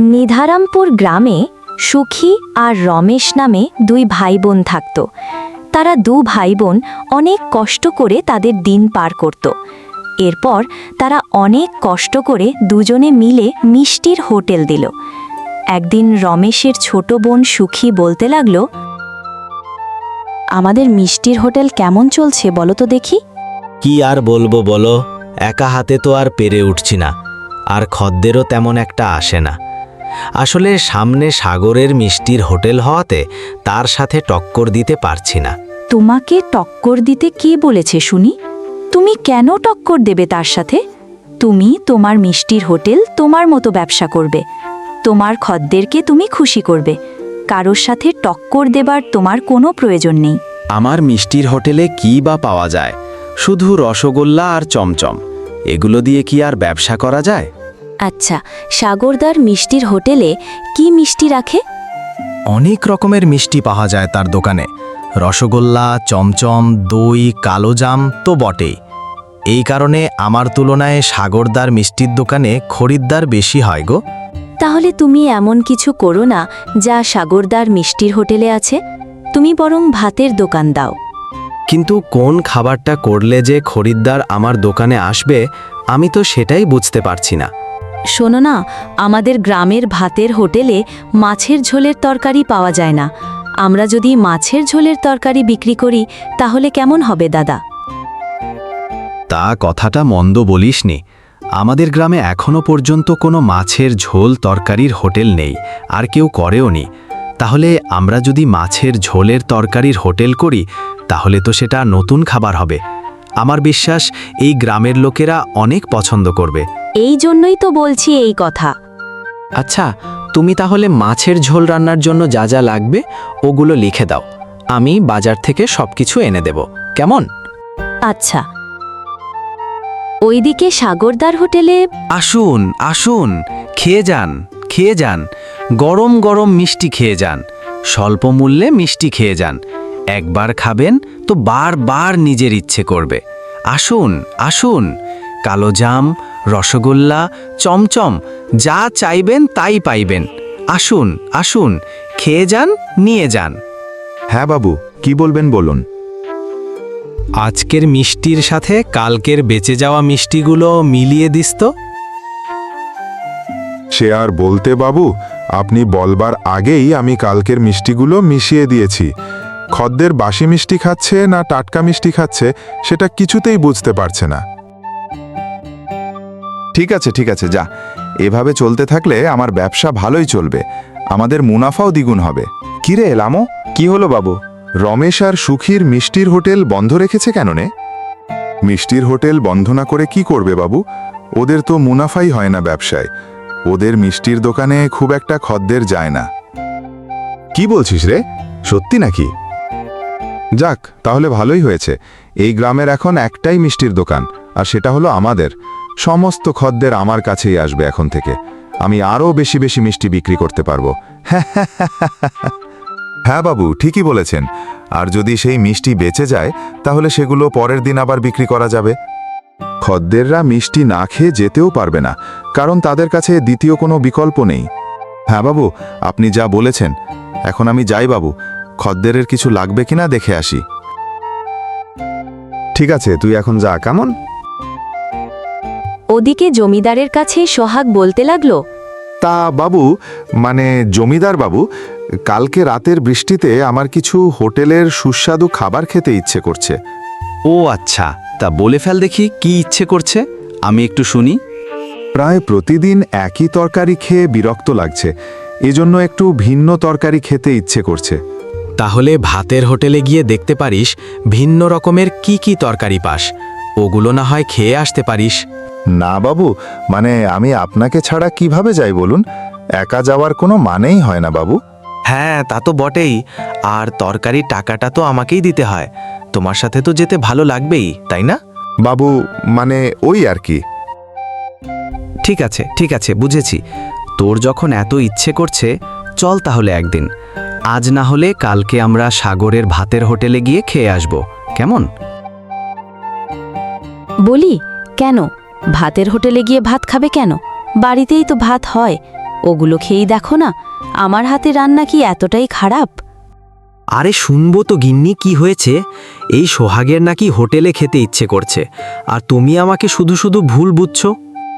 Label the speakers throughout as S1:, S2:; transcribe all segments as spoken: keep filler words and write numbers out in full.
S1: নিধারামপুর গ্রামে সুখী আর রমেশ নামে দুই ভাই বোন থাকত। তারা দু ভাই বোন অনেক কষ্ট করে তাদের দিন পার করত। এরপর তারা অনেক কষ্ট করে দুজনে মিলে মিষ্টির হোটেল দিল। একদিন রমেশের ছোট বোন সুখী বলতে লাগল, আমাদের মিষ্টির হোটেল কেমন চলছে বলো তো দেখি।
S2: কি আর বলবো বলো, একা হাতে তো আর পেরে উঠছি না, আর খদ্দেরও তেমন একটা আসে না। আসলে সামনে সাগরের মিষ্টির হোটেল হওয়াতে তার সাথে টক্কর দিতে পারছি না।
S1: তোমাকে টক্কর দিতে কে বলেছে শুনি? তুমি কেন টক্কর দেবে তার সাথে? তুমি তোমার মিষ্টির হোটেল তোমার মতো ব্যবসা করবে, তোমার খদ্দেরকে তুমি খুশি করবে। কারোর সাথে টক্কর দেবার তোমার কোনো প্রয়োজন নেই।
S3: আমার মিষ্টির হোটেলে কি বা পাওয়া যায়? শুধু রসগোল্লা আর চমচম, এগুলো দিয়ে কি আর ব্যবসা করা যায়?
S1: আচ্ছা, সাগরদার মিষ্টির হোটেলে কি মিষ্টি রাখে?
S3: অনেক রকমের মিষ্টি পাওয়া যায় তার দোকানে। রসগোল্লা, চমচম, দই, কালোজাম তো বটেই। এই কারণে আমার তুলনায় সাগরদার মিষ্টির দোকানে খরিদ্দার বেশি হয় গো।
S1: তাহলে তুমি এমন কিছু করো না যা সাগরদার মিষ্টির হোটেলে আছে। তুমি বরং ভাতের দোকান দাও।
S3: কিন্তু কোন খাবারটা করলে যে খরিদ্দার আমার দোকানে আসবে, আমি তো সেটাই বুঝতে পারছি না।
S1: শোনো না, আমাদের গ্রামের ভাতের হোটেলে মাছের ঝোলের তরকারি পাওয়া যায় না। আমরা যদি মাছের ঝোলের তরকারি বিক্রি করি তাহলে কেমন হবে দাদা?
S3: তা কথাটা মন্দ বলিসনি। আমাদের গ্রামে এখনো পর্যন্ত কোনো মাছের ঝোল তরকারির হোটেল নেই, আর কেউ করেও নি। তাহলে আমরা যদি মাছের ঝোলের তরকারির হোটেল করি তাহলে তো সেটা নতুন খাবার হবে। আমার বিশ্বাস এই গ্রামের লোকেরা অনেক পছন্দ করবে।
S1: এই জন্যই তো বলছি এই কথা।
S3: আচ্ছা, তুমি তাহলে মাছের ঝোল রান্নার জন্য যা যা লাগবে ওগুলো লিখে দাও। আমি বাজার থেকে সবকিছু এনে দেব, কেমন?
S1: আচ্ছা। ওইদিকে সাগরদার হোটেলে
S3: আসুন আসুন, খেয়ে যান খেয়ে যান, গরম গরম মিষ্টি খেয়ে যান, স্বল্প মূল্যে মিষ্টি খেয়ে যান। একবার খাবেন তো বারবার নিজের ইচ্ছে করবে। আসুন আসুন, কালোজাম, রসগোল্লা, চমচম যা চাইবেন তাই পাইবেন। আসুন আসুন, খেয়ে যান, নিয়ে যান।
S4: হ্যাঁ বাবু, কি বলবেন বলুন।
S3: আজকের মিষ্টির সাথে কালকের বেঁচে যাওয়া মিষ্টিগুলো মিলিয়ে দিস তো।
S4: সে আর বলতে বাবু, আপনি বলবার আগেই আমি কালকের মিষ্টিগুলো মিশিয়ে দিয়েছি। খদ্দের বাসি মিষ্টি খাচ্ছে না টাটকা মিষ্টি খাচ্ছে সেটা কিছুতেই বুঝতে পারছে না। ঠিক আছে ঠিক আছে, যা। এভাবে চলতে থাকলে আমার ব্যবসা ভালোই চলবে, আমাদের মুনাফাও দ্বিগুণ হবে। কিরে লামো, কি হলো বাবু? রমেশ আর সুখীর মিষ্টির হোটেল বন্ধ রেখেছে কেন নে? মিষ্টির হোটেল বন্ধ না করে কি করবে বাবু? ওদের তো মুনাফাই হয় না ব্যবসায়। ওদের মিষ্টির দোকানে খুব একটা খদ্দের যায় না। কি বলছিস রে, সত্যি নাকি? যাক, তাহলে ভালোই হয়েছে। এই গ্রামের এখন একটাই মিষ্টির দোকান, আর সেটা হলো আমাদের। সমস্ত খদ্দের আমার কাছেই আসবে এখন থেকে। আমি আরও বেশি বেশি মিষ্টি বিক্রি করতে পারবো। হ্যাঁ বাবু, ঠিকই বলেছেন। আর যদি সেই মিষ্টি বেঁচে যায় তাহলে সেগুলো পরের দিন আবার বিক্রি করা যাবে। খদ্দেররা মিষ্টি না খেয়ে যেতেও পারবে না, কারণ তাদের কাছে দ্বিতীয় কোনো বিকল্প নেই। হ্যাঁ বাবু, আপনি যা বলেছেন। এখন আমি যাই বাবু, খদ্দেরের কিছু লাগবে কিনা দেখে আসি। ঠিক আছে, তুই এখন যা, কেমন?
S1: ওদিকে জমিদারের কাছে সোহাগ বলতে লাগলো,
S4: তা বাবু, মানে জমিদার বাবু, কালকে রাতের বৃষ্টিতে আমার কিছু হোটেলের সুস্বাদু খাবার খেতে ইচ্ছে করছে।
S3: ও আচ্ছা, তা বলে ফেল দেখি কি ইচ্ছে করছে, আমি একটু শুনি।
S4: প্রায় প্রতিদিন একই তরকারি খেয়ে বিরক্ত লাগছে, এজন্য একটু ভিন্ন তরকারি খেতে ইচ্ছে করছে।
S3: তাহলে ভাতের হোটেলে গিয়ে দেখতে পারিস ভিন্ন রকমের কি কি তরকারি পাস, ওগুলো না হয় খেয়ে আসতে পারিস।
S4: না বাবু, মানে আমি আপনাকে ছাড়া কিভাবে যাই বলুন? একা যাওয়ার কোনো মানেই হয় না বাবু।
S3: হ্যাঁ, তা তো বটেই। আর তরকারির টাকাটা তো আমাকেই দিতে হয়। তোমার সাথে তো যেতে ভালো লাগবেই, তাই না?
S4: বাবু, মানে ওই আর কি।
S3: ঠিক আছে ঠিক আছে, বুঝেছি। তোর যখন এত ইচ্ছে করছে, চল তাহলে একদিন। আজ না হলে কালকে আমরা সাগরের ভাতের হোটেলে গিয়ে খেয়ে আসব, কেমন?
S1: বলি, কেন ভাতের হোটেলে গিয়ে ভাত খাবে কেন? বাড়িতেই তো ভাত হয়। ওগুলো খেয়েই দেখো না, আমার হাতে রান্না কি এতটাই খারাপ?
S3: আরে শুনবো তো গিন্নি, কি হয়েছে? এই সোহাগের নাকি হোটেলে খেতে ইচ্ছে করছে, আর তুমি আমাকে শুধু শুধু ভুল বুঝছো।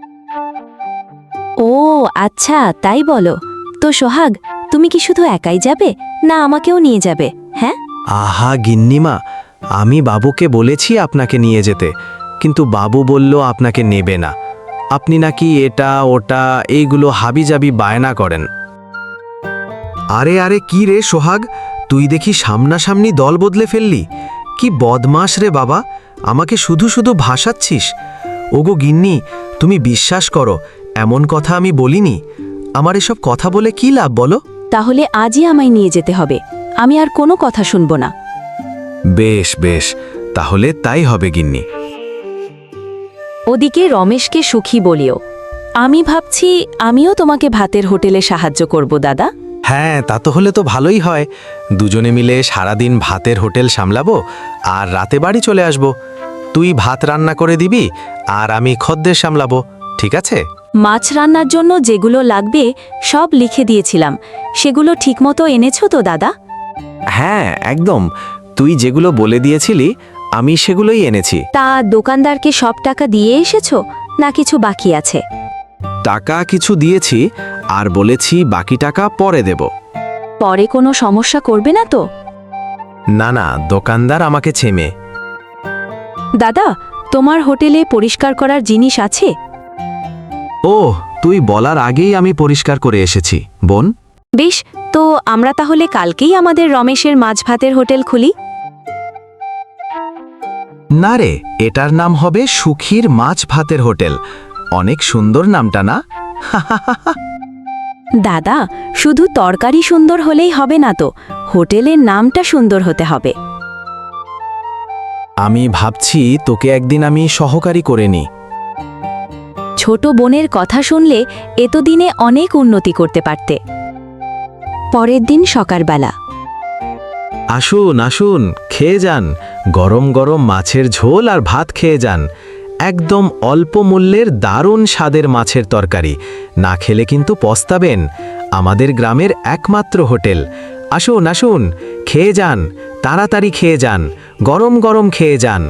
S1: ও আচ্ছা, তাই বলো। তো সোহাগ, তুমি কি শুধু একাই যাবে, না আমাকেও নিয়ে যাবে? হ্যাঁ,
S3: আহা গিন্নিমা, আমি বাবুকে বলেছি আপনাকে নিয়ে যেতে, কিন্তু বাবু বলল আপনাকে নেবে না। আপনি নাকি এটা ওটা এইগুলো হাবিজাবি বায়না করেন। আরে আরে কি রে সোহাগ, তুই দেখি সামনাসামনি দল বদলে ফেললি। কি বদমাস রে বাবা, আমাকে শুধু শুধু ভাসাচ্ছিস। ওগো গিন্নি, তুমি বিশ্বাস করো, এমন কথা আমি বলিনি। আমার এসব কথা বলে কি লাভ বলো?
S1: তাহলে আজই আমায় নিয়ে যেতে হবে, আমি আর কোনো কথা শুনবো না।
S3: বেশ বেশ, তাহলে তাই হবে গিন্নি।
S1: ওদিকে রমেশকে সুখী বলিও, আমি ভাবছি আমিও তোমাকে ভাতের হোটেলে সাহায্য করব দাদা।
S3: হ্যাঁ, তা তো হলে তো ভালোই হয়। দুজনে মিলে সারাদিন ভাতের হোটেল সামলাবো, আর রাতে বাড়ি চলে আসব। তুই ভাত রান্না করে দিবি, আর আমি খদ্দের সামলাবো, ঠিক আছে?
S1: মাছ রান্নার জন্য যেগুলো লাগবে সব লিখে দিয়েছিলাম, সেগুলো ঠিকমতো এনেছো তো দাদা?
S3: হ্যাঁ একদম, তুই যেগুলো বলে দিয়েছিলি আমি সেগুলোই এনেছি।
S1: তা দোকানদারকে সব টাকা দিয়ে এসেছো, না কিছু বাকি আছে?
S3: টাকা কিছু দিয়েছি, আর বলেছি বাকি টাকা পরে দেব।
S1: পরে কোনো সমস্যা করবে না তো?
S3: না না, দোকানদার আমাকে ছেমে।
S1: দাদা, তোমার হোটেলে পরিষ্কার করার জিনিস আছে?
S3: ও, তুই বলার আগেই আমি পরিষ্কার করে এসেছি বোন।
S1: বেশ, তো আমরা তাহলে কালকেই আমাদের রমেশের মাছ ভাতের হোটেল খুলি।
S3: না রে, এটার নাম হবে সুখীর মাছ ভাতের হোটেল। অনেক সুন্দর নামটা না?
S1: দাদা, শুধু তরকারি সুন্দর হলেই হবে না তো, হোটেলের নামটা সুন্দর হতে হবে।
S3: আমি ভাবছি তোকে একদিন আমি সহকারী করে নিই।
S1: ছোট বোনের কথা শুনলে এতদিনে অনেক উন্নতি করতে পারতে। পরের দিন সকালবেলা,
S3: আসুন আসুন, খেয়ে যান। গরম গরম মাছের ঝোল আর ভাত খেয়ে যান। একদম অল্প মূল্যের দারুণ স্বাদের মাছের তরকারি। না খেলে কিন্তু পস্তাবেন। আমাদের গ্রামের একমাত্র হোটেল। আসুন আসুন, খেয়ে যান, তাড়াতাড়ি খেয়ে যান, গরম গরম খেয়ে যান।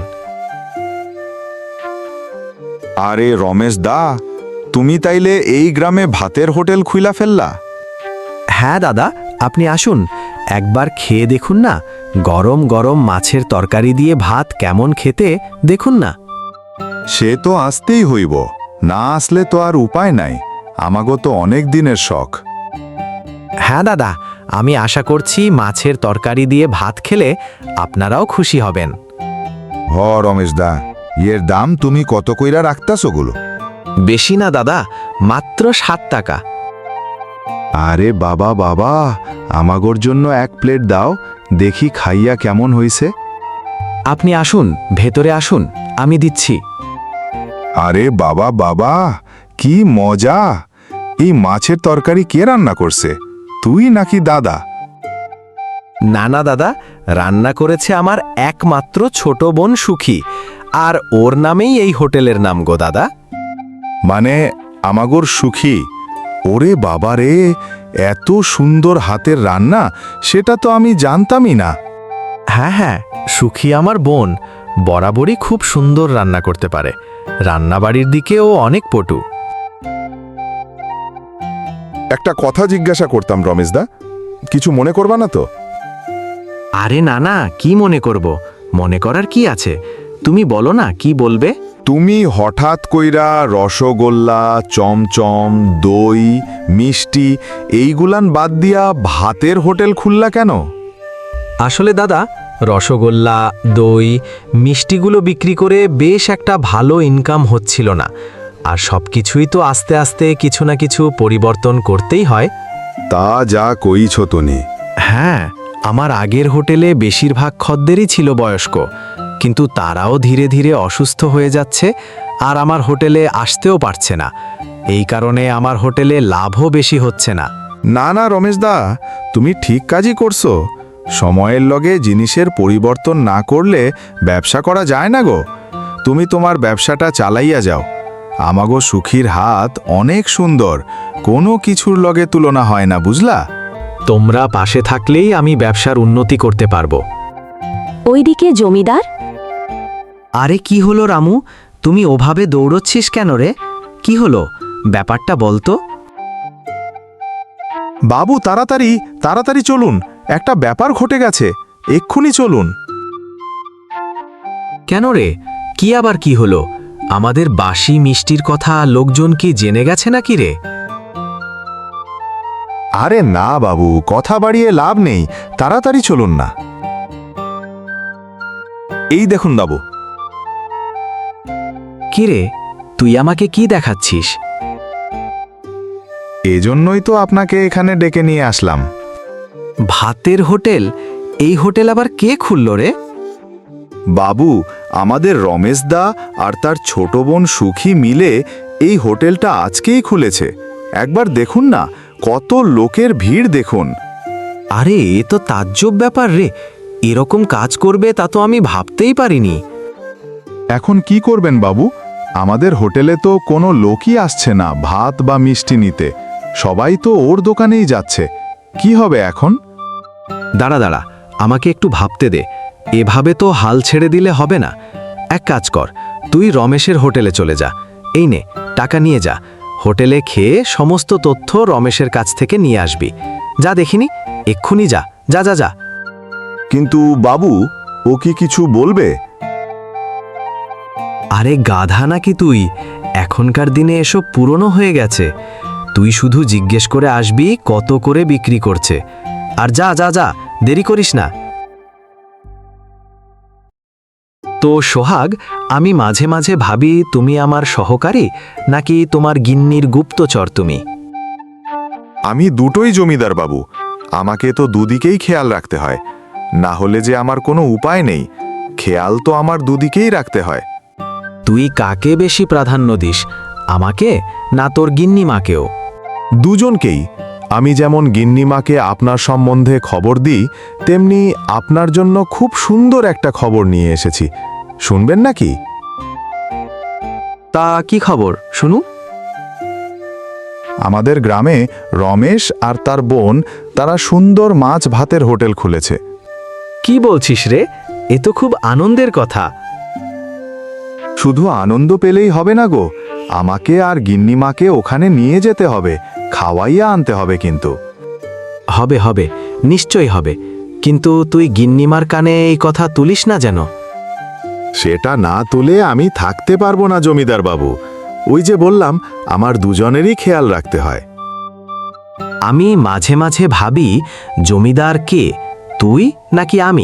S4: আরে রমেশ দা, তুমি তাইলে এই গ্রামে ভাতের হোটেল খুইলা ফেললা?
S3: হ্যাঁ দাদা, আপনি আসুন, একবার খেয়ে দেখুন না। গরম গরম মাছের তরকারি দিয়ে ভাত কেমন খেতে দেখুন না।
S4: সে তো আসতেই হইব, না আসলে তো আর উপায় নাই, আমাগো তো অনেক দিনের শখ।
S3: হ্যাঁ দাদা, আমি আশা করছি মাছের তরকারি দিয়ে ভাত খেলে আপনারাও খুশি হবেন।
S4: হ রমেশ দা, এর দাম তুমি কত কইরা রাখতাছ গুলো?
S3: বেশি না দাদা, মাত্র সাত টাকা।
S4: আরে বাবা বাবা, আমাগোর জন্য এক প্লেট দাও, দেখি খাইয়া কেমন হইছে।
S3: আপনি আসুন, ভেতরে আসুন, আমি দিচ্ছি।
S4: আরে বাবা বাবা, কি মজা! এই মাছের তরকারি কে রান্না করছে, তুই নাকি দাদা?
S3: না না দাদা, রান্না করেছে আমার একমাত্র ছোট বোন সুখী, আর ওর নামেই এই হোটেলের নাম গো দাদা।
S4: মানে আমাগোর সুখী? ওরে বাবা রে, এত সুন্দর হাতের রান্না, সেটা তো আমি জানতামই না।
S3: হ্যাঁ হ্যাঁ, সুখী আমার বোন, বরাবরই খুব সুন্দর রান্না করতে পারে। রান্নাবাড়ির দিকে ও অনেক পটু।
S4: একটা কথা জিজ্ঞাসা করতাম রমেশদা, কিছু মনে করবা না তো?
S3: আরে না না, কি মনে করব? মনে করার কি আছে, তুমি বলো না কি বলবে।
S4: তুমি হঠাৎ কইরা রসগোল্লা, চমচম, দই, মিষ্টি এইগুলান বাদ দিয়া ভাতের হোটেল খুললা কেন?
S3: আসলে দাদা, রসগোল্লা, দই, মিষ্টিগুলো বিক্রি করে বেশ একটা ভালো ইনকাম হচ্ছিল না, আর সব কিছুই তো আস্তে আস্তে কিছু না কিছু পরিবর্তন করতেই হয়।
S4: তা যা কইছ তনি।
S3: হ্যাঁ, আমার আগের হোটেলে বেশিরভাগ খদ্দেরই ছিল বয়স্ক, কিন্তু তারাও ধীরে ধীরে অসুস্থ হয়ে যাচ্ছে, আর আমার হোটেলে আসতেও পারছে না। এই কারণে আমার হোটেলে লাভও বেশি হচ্ছে না।
S4: না না রমেশদা, তুমি ঠিক কাজই করছো। সময়ের লগে জিনিসের পরিবর্তন না করলে ব্যবসা করা যায় না গো। তুমি তোমার ব্যবসাটা চালাইয়া যাও, আমাগো সুখীর হাত অনেক সুন্দর, কোনো কিছুর লগে তুলনা হয় না, বুঝলা?
S2: তোমরা পাশে থাকলেই আমি ব্যবসার উন্নতি করতে পারবো।
S1: ওইদিকে জমিদার।
S3: আরে কি হলো রামু, তুমি ওভাবে দৌড়চ্ছিস কেন রে? কি হলো, ব্যাপারটা বলতো।
S4: বাবু তাড়াতাড়ি তাড়াতাড়ি চলুন, একটা ব্যাপার ঘটে গেছে, এক্ষুনি চলুন।
S2: কেন রে, কি আবার কি হলো? আমাদের বাসি মিষ্টির কথা লোকজন কি জেনে গেছে নাকি রে?
S4: আরে না বাবু, কথা বাড়িয়ে লাভ নেই, তাড়াতাড়ি চলুন না। এই দেখুন বাবু।
S2: কি রে, তুই আমাকে কি দেখাচ্ছিস?
S4: এজন্যই তো আপনাকে এখানে ডেকে নিয়ে আসলাম।
S3: ভাতের হোটেল? এই হোটেল আবার কে খুলল রে?
S4: বাবু, আমাদের রমেশ দা আর তার ছোট বোন সুখী মিলে এই হোটেলটা আজকেই খুলেছে। একবার দেখুন না, কত লোকের ভিড় দেখুন।
S3: আরে এ তো তাজ্জব ব্যাপার রে, এরকম কাজ করবে তা তো আমি ভাবতেই পারিনি।
S4: এখন কি করবেন বাবু? আমাদের হোটেলে তো কোনো লোকই আসছে না ভাত বা মিষ্টি নিতে, সবাই তো ওর দোকানেই যাচ্ছে। কি হবে এখন?
S3: দাঁড়া দাঁড়া, আমাকে একটু ভাবতে দে। এভাবে তো হাল ছেড়ে দিলে হবে না। এক কাজ কর, তুই রমেশের হোটেলে চলে যা। এই নে, টাকা নিয়ে যা। হোটেলে খেয়ে সমস্ত তথ্য রমেশের কাছ থেকে নিয়ে আসবি। যা দেখিনি, এক্ষুনি যা, যা যা যা।
S4: কিন্তু বাবু, ও কি কিছু বলবে?
S3: আরে গাধা নাকি তুই? এখনকার দিনে এসব পুরনো হয়ে গেছে। তুই শুধু জিজ্ঞেস করে আসবি কত করে বিক্রি করছে। আর যা যা যা, দেরি করিস না। তো সোহাগ, আমি মাঝে মাঝে ভাবি তুমি আমার সহকারী নাকি তোমার গিন্নির গুপ্তচর তুমি?
S4: আমি দুটোই জমিদার বাবু, আমাকে তো দুদিকেই খেয়াল রাখতে হয়, না হলে যে আমার কোনো উপায় নেই। খেয়াল তো আমার দুদিকেই রাখতে হয়।
S3: তুই কাকে বেশি প্রাধান্য দিস, আমাকে না তোর গিন্নিমাকেও?
S4: দুজনকেই। আমি যেমন গিন্নিমাকে আপনার সম্বন্ধে খবর দিই, তেমনি আপনার জন্য খুব সুন্দর একটা খবর নিয়ে এসেছি। শুনবেন নাকি?
S3: তা কি খবর, শুনু।
S4: আমাদের গ্রামে রমেশ আর তার বোন তারা সুন্দর মাছ ভাতের হোটেল খুলেছে।
S3: কি বলছিস রে? এ তো খুব আনন্দের কথা।
S4: শুধু আনন্দ পেলেই হবে না গো, আমাকে আর গিন্নিমাকে ওখানে নিয়ে যেতে হবে, খাওয়াইয়া আনতে হবে কিন্তু।
S3: হবে হবে, নিশ্চয়ই হবে, কিন্তু তুই গিন্নিমার কানে এই কথা তুলিস না যেন।
S4: সেটা না তুলে আমি থাকতে পারবো না জমিদার বাবু। ওই যে বললাম, আমার দুজনেরই খেয়াল রাখতে হয়।
S3: আমি মাঝে মাঝে ভাবি জমিদার কে, তুই নাকি আমি?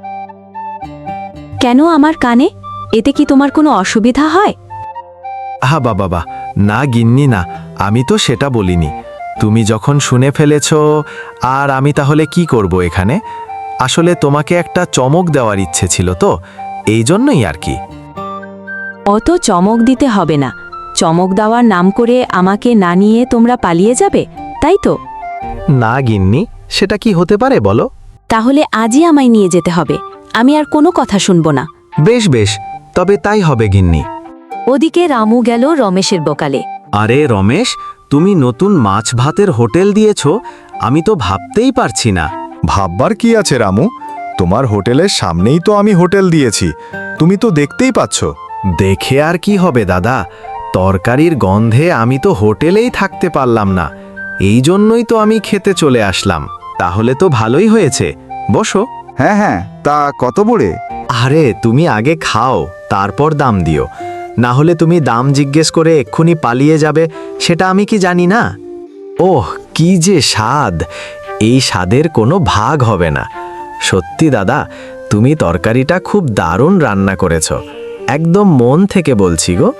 S1: কেন আমার কানে? এতে কি তোমার কোনো অসুবিধা হয়?
S3: আহা বাবা বা, না গিন্নি না, আমি তো সেটা বলিনি। তুমি যখন শুনে ফেলেছ, আর আমি তাহলে কি করব এখানে? আসলে তোমাকে একটা চমক দেওয়ার ইচ্ছে ছিল তো, এই জন্যই আর কি।
S1: অত চমক দিতে হবে না। চমক দেওয়ার নাম করে আমাকে না নিয়ে তোমরা পালিয়ে যাবে, তাই তো?
S3: না গিন্নি, সেটা কি হতে পারে বলো?
S1: তাহলে আজই আমায় নিয়ে যেতে হবে, আমি আর কোনো কথা শুনবো না।
S3: বেশ বেশ, তবে তাই হবে গিন্নি।
S1: ওদিকে রামু গেল রমেশের বোকালে।
S3: আরে রমেশ, তুমি নতুন মাছ ভাতের হোটেল দিয়েছ, আমি তো ভাবতেই পারছি না।
S4: ভাববার কি আছে রামু? তোমার হোটেলের সামনেই তো আমি হোটেল দিয়েছি, তুমি তো দেখতেই পাচ্ছ।
S3: দেখে আর কি হবে দাদা, তরকারির গন্ধে আমি তো হোটেলেই থাকতে পারলাম না। এই জন্যই তো আমি খেতে চলে আসলাম। তাহলে তো ভালোই হয়েছে, বসো।
S4: হ্যাঁ হ্যাঁ, তা কত বড়ে?
S3: আরে তুমি আগে খাও, তারপর দাম দিও। না হলে তুমি দাম জিজ্ঞেস করে এক্ষুনি পালিয়ে যাবে, সেটা আমি কি জানি না? ওহ, কি যে স্বাদ! এই স্বাদের কোনো ভাগ হবে না। সত্যি দাদা, তুমি তরকারিটা খুব দারুণ রান্না করেছ, একদম মন থেকে বলছি গো।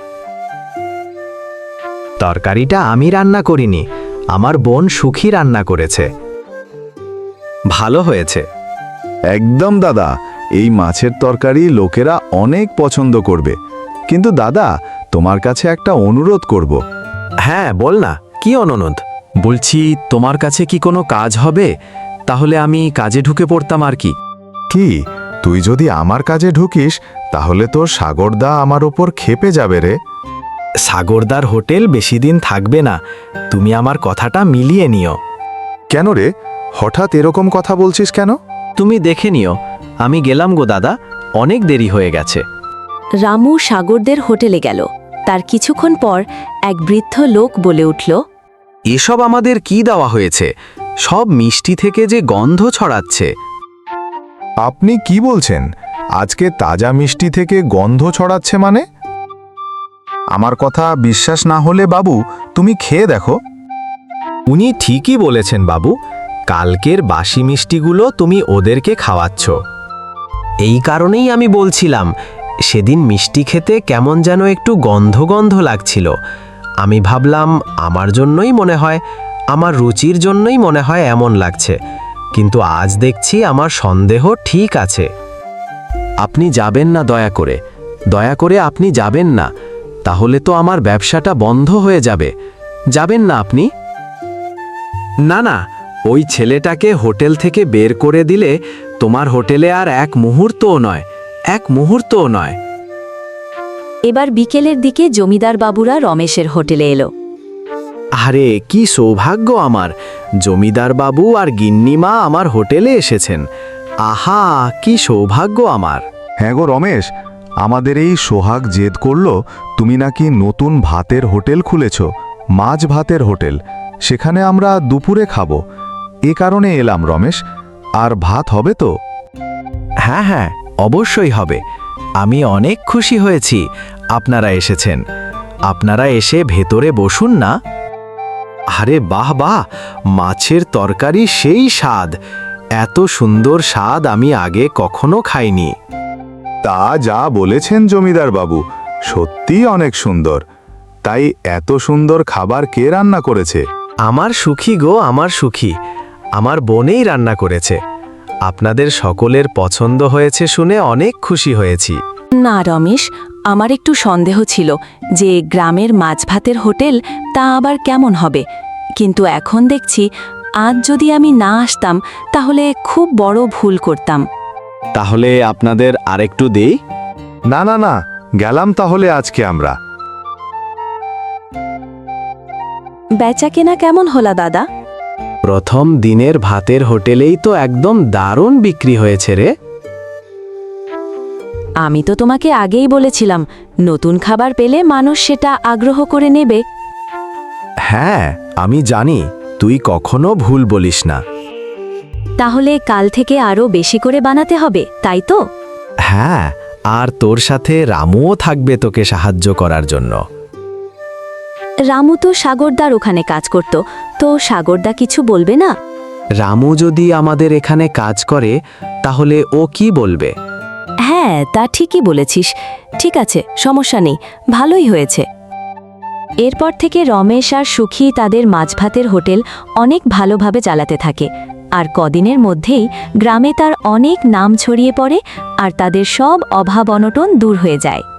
S3: তরকারিটা আমি রান্না করিনি, আমার বোন সুখী রান্না করেছে। ভালো হয়েছে।
S4: একদম দাদা, এই মাছের তরকারি লোকেরা অনেক পছন্দ করবে। কিন্তু দাদা, তোমার কাছে একটা অনুরোধ করব।
S3: হ্যাঁ বল না, কি অনুরোধ? বলছি তোমার কাছে কি কোনো কাজ হবে? তাহলে আমি কাজে ঢুকে পড়তাম আর কি।
S4: কি, তুই যদি আমার কাজে ঢুকিস তাহলে তোর সাগরদা আমার ওপর খেপে যাবে রে।
S2: সাগরদার হোটেল বেশি দিন থাকবে না, তুমি আমার কথাটা মিলিয়ে নিও।
S4: কেন রে, হঠাৎ এরকম কথা বলছিস কেন?
S3: তুমি দেখে নিও, আমি গেলাম গো দাদা, অনেক দেরি হয়ে গেছে।
S1: রামু সাগরদের হোটেলে গেল। তার কিছুক্ষণ পর এক বৃদ্ধ লোক বলে উঠল,
S3: এসব আমাদের কি দেওয়া হয়েছে? সব মিষ্টি থেকে যে গন্ধ ছড়াচ্ছে।
S4: আপনি কি বলছেন? আজকে তাজা মিষ্টি থেকে গন্ধ ছড়াচ্ছে মানে? আমার কথা বিশ্বাস না হলে বাবু, তুমি খেয়ে দেখো।
S2: উনি ঠিকই বলেছেন বাবু, কালকের বাসি মিষ্টিগুলো তুমি ওদেরকে খাওয়াচ্ছ।
S3: এই কারণেই আমি বলছিলাম, সেদিন মিষ্টি খেতে কেমন যেন একটু গন্ধ গন্ধ লাগছিল। আমি ভাবলাম আমার জন্যই মনে হয়, আমার রুচির জন্যই মনে হয় এমন লাগছে, কিন্তু আজ দেখছি আমার সন্দেহ ঠিক আছে। আপনি যাবেন না, দয়া করে দয়া করে আপনি যাবেন না, তাহলে তো আমার ব্যবসাটা বন্ধ হয়ে যাবে। যাবেন না আপনি? না না, ওই ছেলেটাকে হোটেল থেকে বের করে দিলে তোমার হোটেলে আর এক মুহূর্তও নয়, এক মুহূর্তও নয়।
S1: এবার বিকেলের দিকে জমিদার বাবুরা রমেশের হোটেলে এলো।
S3: আরে কি সৌভাগ্য আমার, জমিদার বাবু আর গিন্নিমা আমার হোটেলে এসেছেন। আহা, কি সৌভাগ্য আমার।
S4: হ্যাঁ গো রমেশ, আমাদের এই সোহাগ জেদ করলো তুমি নাকি নতুন ভাতের হোটেল খুলেছ, মাছ ভাতের হোটেল। সেখানে আমরা দুপুরে খাবো, এ কারণে এলাম রমেশ। আর ভাত হবে তো?
S3: হ্যাঁ হ্যাঁ, অবশ্যই হবে। আমি অনেক খুশি হয়েছি আপনারা এসেছেন। আপনারা এসে ভেতরে বসুন না। আরে বাহ বাহ, মাছের তরকারি সেই স্বাদ, এত সুন্দর স্বাদ আমি আগে কখনো খাইনি।
S4: তা যা বলেছেন জমিদার বাবু, সত্যিই অনেক সুন্দর। তাই এত সুন্দর খাবার কে রান্না করেছে?
S3: আমার সুখী গো, আমার সুখী, আমার বোনেই রান্না করেছে। আপনাদের সকলের পছন্দ হয়েছে শুনে অনেক খুশি হয়েছি।
S1: না রমেশ, আমার একটু সন্দেহ ছিল যে গ্রামের মাছ ভাতের হোটেল তা আবার কেমন হবে, কিন্তু এখন দেখছি আজ যদি আমি না আসতাম তাহলে খুব বড় ভুল করতাম।
S3: তাহলে আপনাদের আরেকটু দেই?
S4: না না না, গেলাম তাহলে আজকে আমরা।
S1: বেচা কেনা কেমন হলা দাদা?
S3: প্রথম দিনের ভাতের হোটেলেই তো একদম দারুণ বিক্রি হয়েছে রে।
S1: আমি তো তোমাকে আগেই বলেছিলাম, নতুন খাবার পেলে মানুষ সেটা আগ্রহ করে নেবে।
S3: হ্যাঁ, আমি জানি, তুই কখনো ভুল বলিস না।
S1: তাহলে কাল থেকে আরও বেশি করে বানাতে হবে, তাই তো?
S3: হ্যাঁ, আর তোর সাথে রামুও থাকবে তোকে সাহায্য করার জন্য।
S1: রামু তো সাগরদার ওখানে কাজ করত, তো সাগরদা কিছু বলবে না?
S3: রামু যদি আমাদের এখানে কাজ করে তাহলে ও কি বলবে?
S1: হ্যাঁ, তা ঠিকই বলেছিস। ঠিক আছে, সমস্যা নেই, ভালোই হয়েছে। এরপর থেকে রমেশ আর সুখী তাদের মাছ ভাতের হোটেল অনেক ভালোভাবে চালাতে থাকে, আর কদিনের মধ্যেই গ্রামে তার অনেক নাম ছড়িয়ে পড়ে আর তাদের সব অভাব অনটন দূর হয়ে যায়।